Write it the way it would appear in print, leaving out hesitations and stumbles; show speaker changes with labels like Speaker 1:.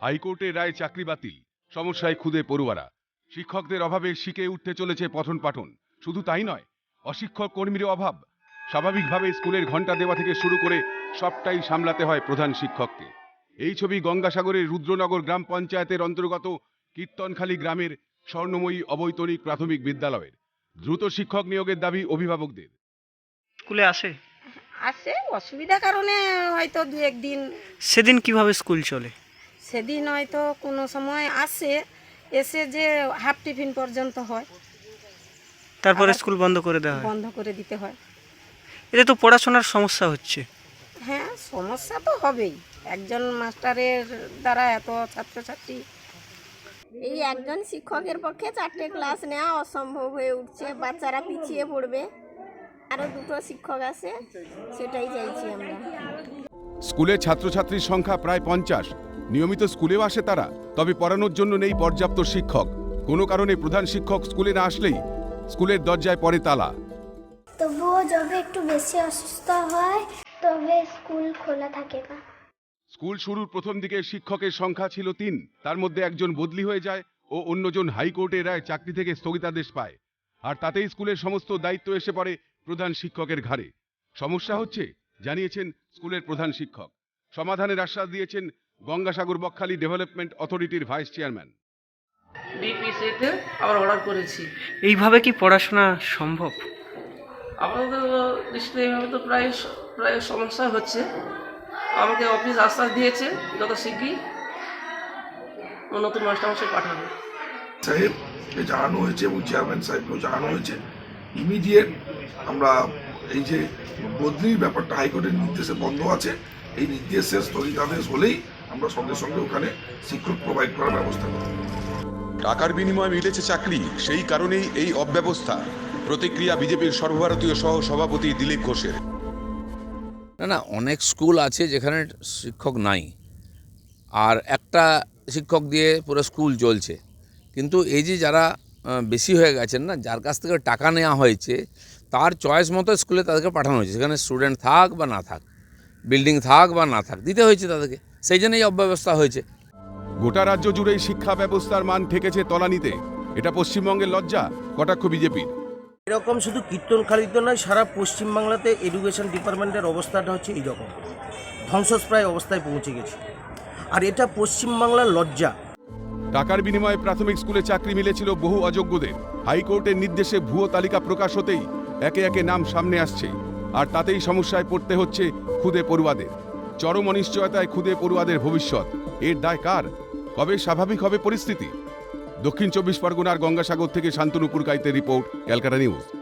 Speaker 1: হাইকোর্টের রায়ে চাকরি বাতিল, সমস্যায় খুদে পড়ুয়ারা। শিক্ষকদের অভাবে শিখে উঠতে চলেছে পঠন পাঠন। শুধু তাই নয়, অশিক্ষক কর্মীর অভাব। স্বাভাবিকভাবে স্কুলের ঘন্টা দেওয়া থেকে শুরু করে সবটাই সামলাতে হয় প্রধান শিক্ষককে। এই ছবি গঙ্গাসাগরের রুদ্রনগর গ্রাম পঞ্চায়েতের অন্তর্গত কীর্তনখালী গ্রামের স্বর্ণময়ী অবৈতনিক প্রাথমিক বিদ্যালয়ের। দ্রুত শিক্ষক নিয়োগের দাবি অভিভাবকদের।
Speaker 2: স্কুলে আসে?
Speaker 3: আসে, অসুবিধা কারণে হয়তো দু একদিন।
Speaker 2: সেদিন কিভাবে স্কুল চলে?
Speaker 3: সেদিন হয়তো কোনো সময় আসে, এসে যে হাফ টিফিন পর্যন্ত হয়,
Speaker 2: তারপরে
Speaker 3: আবার
Speaker 2: স্কুল বন্ধ করে দেওয়া হয়?
Speaker 3: বন্ধ করে দিতে হয়।
Speaker 2: এতে তো পড়াশোনার সমস্যা হচ্ছে।
Speaker 3: হ্যাঁ, সমস্যা তো হবেই। একজন মাস্টারের দ্বারা এত ছাত্রছাত্রী।
Speaker 4: এই একজন শিক্ষকের পক্ষে 4টে ক্লাস নেওয়া অসম্ভব হয়ে উঠছে, বাচ্চারা পিছিয়ে পড়বে। আরও 2টো শিক্ষক আছে, সেটাই চাইছি আমরা।
Speaker 1: স্কুলে ছাত্রছাত্রীর সংখ্যা প্রায় 50। নিয়মিত স্কুলেও আসে তারা, তবে পড়ানোর জন্য নেই পর্যাপ্ত শিক্ষক। কোনো কারণে প্রধান শিক্ষক স্কুলে না আসলেই স্কুলের দরজায় পড়ে তালা।
Speaker 5: তবুও যবে একটু বেশি অসুস্থ হয় তবে স্কুল খোলা থাকে না।
Speaker 1: স্কুল শুরুর প্রথম দিকে শিক্ষকের সংখ্যা ছিল 3, তার মধ্যে একজন বদলি হয়ে যায় ও অন্যজন হাইকোর্টের রায় চাকরি থেকে স্থগিতাদেশ পায়। আর তাতেই স্কুলের সমস্ত দায়িত্ব এসে পড়ে প্রধান শিক্ষকের ঘাড়ে। সমস্যা হচ্ছে জানিয়েছেন স্কুলের প্রধান শিক্ষক। সমাধানের আশ্বাস দিয়েছেন গঙ্গাসাগর বকখালি ডেভেলপমেন্ট অথরিটির ভাইস চেয়ারম্যান।
Speaker 6: বিপিসিতে আবার অর্ডার করেছি।
Speaker 2: এইভাবে কি পড়াশোনা সম্ভব?
Speaker 6: আমাদের দৃষ্টিতে এইভাবে তো প্রায় সমস্যা হচ্ছে। আমাকে অফিস আশ্বাস দিয়েছে যত শীঘ্রই নতুন মাস্টারমশাই পাঠাবে।
Speaker 7: সাহেবকে জানানো হয়েছে এবং চেয়ারম্যান সাহেবকেও জানানো হয়েছে। ইমিডিয়েট আমরা এই যে বদলির ব্যাপারটা হাইকোর্টের নির্দেশে বন্ধ আছে, এই নির্দেশের স্থগিতাদেশ হলেই আমরা সঙ্গে সঙ্গে ওখানে শিক্ষক প্রোভাইড করার ব্যবস্থা করব।
Speaker 8: টাকার বিনিময়ে মিলেছে চাকরি, সেই কারণেই এই অব্যবস্থা। প্রতিক্রিয়া বিজেপির সর্বভারতীয় সহ সভাপতি দিলীপ ঘোষের।
Speaker 9: না, অনেক স্কুল আছে যেখানে শিক্ষক নাই, আর একটা শিক্ষক দিয়ে পুরো স্কুল চলছে। কিন্তু এই যে যারা বেশি হয়ে গেছেন না, যার কাছ থেকে টাকা নেওয়া হয়েছে, তার চয়েস মতো স্কুলে তাদেরকে পাঠানো হয়েছে। সেখানে স্টুডেন্ট থাক বা না থাক, বিল্ডিং থাক বা না থাক, দিতে হয়েছে তাদেরকে। সেই জন্যই অব্যবস্থা হয়েছে।
Speaker 1: গোটা রাজ্য জুড়েই শিক্ষা ব্যবস্থার মান ঠেকেছে তলানিতে। এটা পশ্চিমবঙ্গের লজ্জা, কটাক্ষ বিজেপির।
Speaker 10: এরকম শুধু কীর্তনখালীতে নয়, সারা পশ্চিমবাংলাতে এডুকেশন ডিপার্টমেন্টের অবস্থাটা হচ্ছে এইরকম, ধ্বংসপ্রায় অবস্থায় পৌঁছে গেছে। আর এটা পশ্চিমবাংলার লজ্জা।
Speaker 1: টাকার বিনিময়ে প্রাথমিক স্কুলে চাকরি মিলেছিল বহু অযোগ্যদের। হাইকোর্টের নির্দেশে ভুয়ো তালিকা প্রকাশ হতেই একে একে নাম সামনে আসছে। আর তাতেই সমস্যায় পড়তে হচ্ছে খুদে পড়ুয়াদের। চরম অনিশ্চয়তায় খুদে পড়ুয়াদের ভবিষ্যৎ। এর দায় কার? কবে স্বাভাবিক হবে পরিস্থিতি? দক্ষিণ 24 পরগনার গঙ্গাসাগর থেকে শান্তনু পুরকাইতের রিপোর্ট, ক্যালকাটা নিউজ।